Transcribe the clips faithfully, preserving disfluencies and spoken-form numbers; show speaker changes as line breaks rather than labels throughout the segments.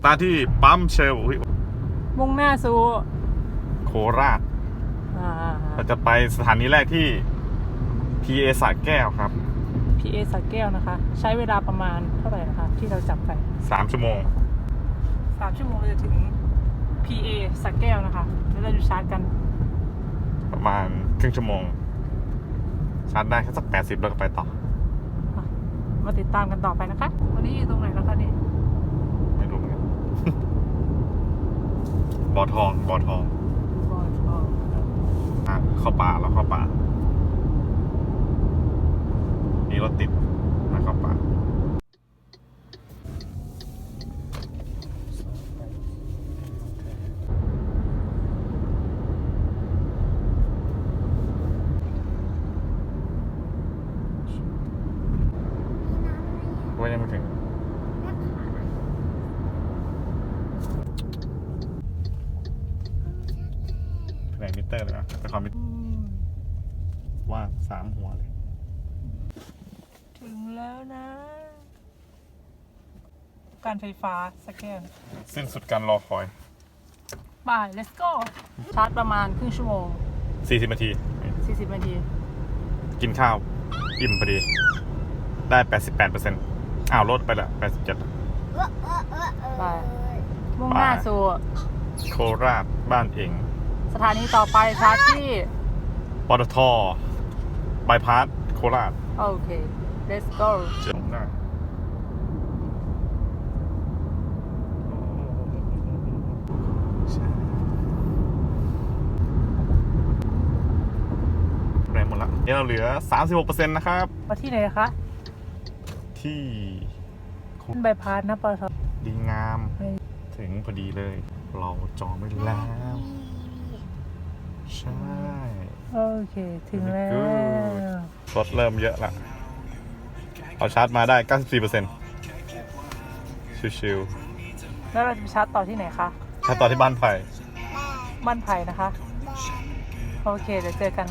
าร์ทที่ปั๊มเชล
มุ่งหน้าสู่
โคราชเราจะไปสถานีแรกที่ พี เอ สระแก้วครับ
พี เอ สระแก้วนะคะใช้เวลาประมาณเท่าไหร่นะคะที่เราจับไป
สามชั่วโมง
สามชั่วโมงเราจะถึง พี เอ สระแก้วนะคะแล้วเราจะชาร์จกัน
ประมาณครึ่งชั่วโมงชาร์จได้แค่สักแปดสิบแล้วก็ไปต่อ
มาติดตามกันต่อไปนะคะวันนี้อยู่ตรงไหนแล้วคะนี่
ไม่รู้เหมือนกัน บ่อทองบ่อทอง
บ่อทอง
อ่ะเข้าป่าแล้วเข้าป่านี่รถติดมาเข้าป่าว่ายังไม่ถึงแผนกมิเตอร์เลยนะเป็นคอมมิเตอร์ว่างสามหัวเลย
ถึงแล้วนะการไฟฟ้าสแกน
สิ้นสุดการรอคอย
ไป let's go ชาร์จประมาณครึ่งชั่วโมง
สี่สิบนาที
สี่สิบนาที
กินข้าวอิ่มพอดีได้แปดสิบแปดเปอร์เซ็นต์อ้าวลดไปละแปดสิบเจ็ด
ไปมุ่งหน้าสู่
โคราชบ้านเอง
สถานีต่อไปชาร์จที่
ปตท.บายพาสโคราช
โอเค let's go
เจ๋งได้แรงหมดละนี่เราเหลือ สามสิบหกเปอร์เซ็นต์ นะครับ
มาที่ไหนคะ
ที่
ใบพาสนะปตท.
ดีงามถึงพอดีเลยเราจองไว้แล้วใช่
โอเคถึงแล้ว
รถเริ่มเยอะละเอาชาร์จมาได้ เก้าสิบสี่เปอร์เซ็นต์ ชิว
ๆแล้วเราจะไปชาร์จต่อที่ไหนคะ
ชาร์จต่อที่บ้านไผ่
บ้านไผ่นะคะโอเคเดี๋ยวเจอกัน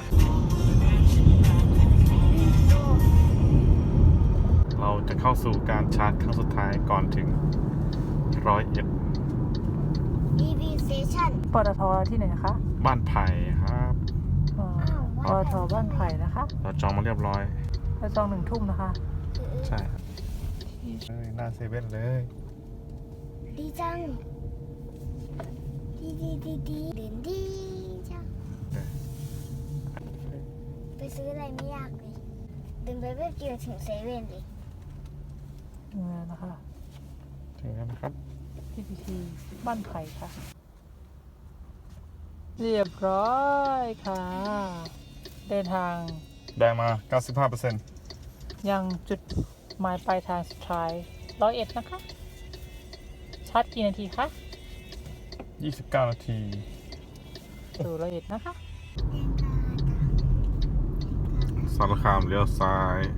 เราจะเข้าสู่การชาร์จครั้งสุดท้ายก่อนถึงร้อยเอ็ด
อี วี Station
ปตท.ที่ไหนคะ
บ้านไผ่ครับ
ปตท.บ้านไผ่นะคะ
เราจองมาเรียบร้อย
เราจองหนึ่งทุ่มนะคะ
ใช่ครับเฮ้ยหน้าเซเว่นเลย
ดีจังดีดีดีดีเด่นดีจังไปซื้ออะไรไม่ยากเลยเดินไปแป๊บเดียวถึงเซเว่นเลย
ถึงแล้วนะคะ
ถึงแล้วนะครับ
พี ที ที บ้านไผ่ค่ะเรียบร้อยค่ะเดินทาง
ได้มา เก้าสิบห้าเปอร์เซ็นต์
ยังจุดหมายปลายทางสุดท้ายร้อยเอ็ดนะคะชาร์จกี่นาทีคะ
ยี่สิบเก้านาที
สู่ร้อยเอ็ดนะคะ
สารคามเลี้ยวซ้าย